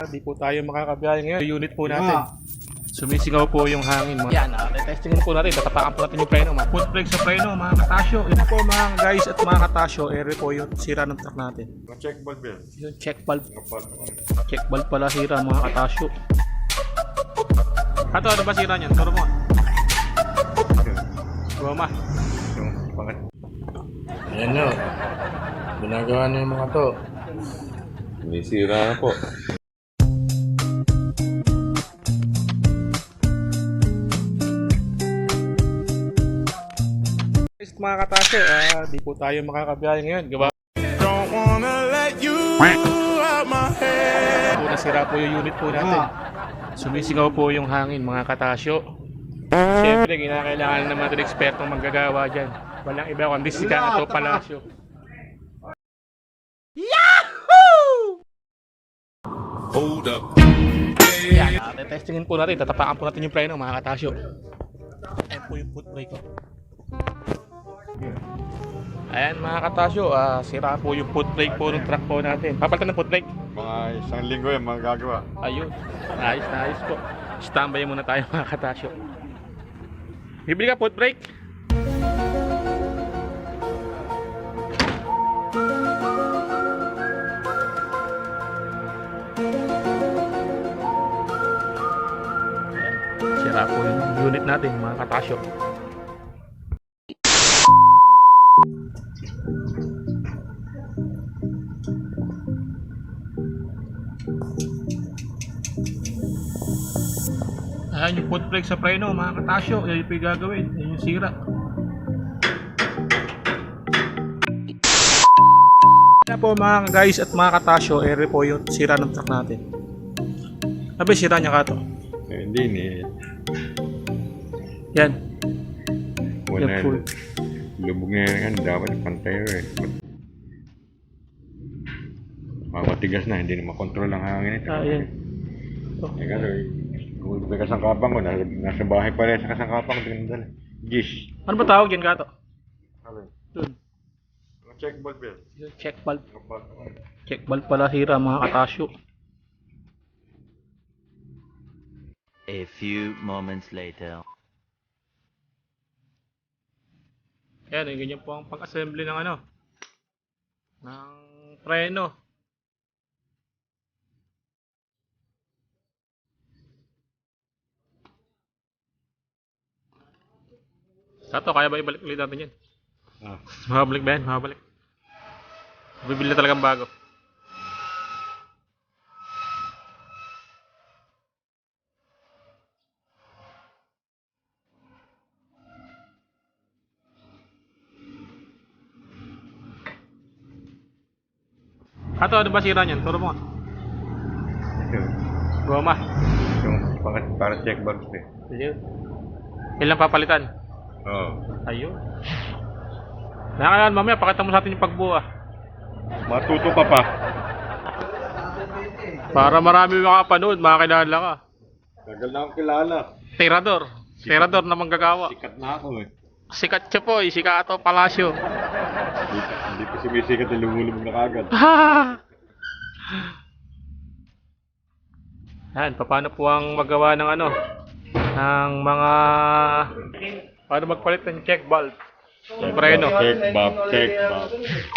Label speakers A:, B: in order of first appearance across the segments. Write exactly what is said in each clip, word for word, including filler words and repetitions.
A: Hindi po tayo makakabiyahe ngayon. Unit po natin. Sumisingaw po yung hangin. Mga... Yan, uh, testing po natin. Tatapakan po natin yung preno. Mga foot brake sa preno, mga katasyo. Ito po mga guys at mga katasyo. Ere po yung sira ng truck natin.
B: Check valve yan.
A: Yung check valve. Check valve pala sira mga katasyo. Ato, ano ba sira niyan? Turo mo. Goma.
C: Ayan na. Ginagawa na yung mga to.
B: Sinisira na po.
A: Guys, mga katasyo, ah, di po tayo makakabiyahe ngayon. Gawa.
D: Don't wanna let you out my head.
A: Po nasira po yung unit po natin. Sumisingaw po yung hangin mga katasyo. Siyempre, kinakailangan naman natin ekspertong manggagawa dyan. Walang iba kundi si Kato Palacio.
D: Hold up.
A: Yan, uh, testingin po natin. Tatapakan po natin yung preno mga katasyo. Ayan po yung foot brake ko. Ayan mga katasyo, uh, sira po yung foot brake po ng truck po natin. Papalitan ng foot brake.
B: Mga isang linggo yan magagawa.
A: Ayun, ayos na ayos po. Standby muna tayo mga katasyo. Bibili ka foot brake. Sira po yung unit natin mga katasyo. Ayan yung foot brake sa preno mga katasyo. Yan yung gagawin. Yan yung sira. Kaya po mga guys at mga katasyo, ere po yung sira ng truck natin. Sabi sira niya ka to.
B: Eh, hindi ni.
A: Yan.
B: Wala.
A: Yan full.
B: Lubog na yan. Dapat pantay eh. Matigas na. Hindi na makontrol ang hangin ito.
A: Ah, yan.
B: Oh. Eh kasi, kung may kasangkapang ko, nasa, nasa bahay pa rin sa kasangkapang ko. Dinadala. Gish.
A: Ano ba tawag yan ka to?
B: Alin?
A: Dun.
B: Check valve yan.
A: Yung check valve. Check valve pala sira mga katasyo.
E: A few moments later.
A: Ayan, yung ganyan po ang pag-assembly ng ano, ng preno. Sato, kaya ba ibalik ulit natin yan?
B: Ah.
A: Makabalik ba yan? Makabalik. Bibili na talagang bago. Ato, ano ba sira niyan? Turo mo.
B: Ito.
A: Goma.
B: Yung para, para check valve eh.
A: Ayun. Ilang papalitan?
B: Oo.
A: Ayun. Nakakailan mamaya, pakita mo sa atin yung pagbuha.
B: Matuto pa pa.
A: Para marami makapanood, makakilala ka.
B: Tagal na akong kilala.
A: Tirador. Tirador na manggagawa.
B: Sikat na ako eh.
A: Sikat siya po, eh. Si Kato Palacio.
B: Hindi, hindi pa sumisikat na lumulubog na kagad.
A: Yan, paano po ang magawa ng ano? Ng mga... Paano magpalit ng check valve? Yung preno.
B: Check valve, check valve.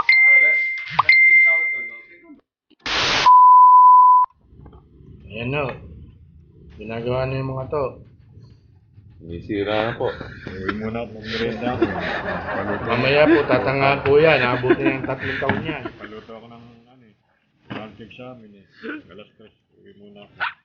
C: Ayan na. Ginagawa na yung mga to.
B: Sinisira na po. Uwi muna at mag-merenda ako. Paluto,
C: Mamaya po, tatangahan po yan. Abutin ng tatlong taon yan.
B: paluto ako ng ano eh. Pancake sa amin eh. Alas tres. Uwi muna ako.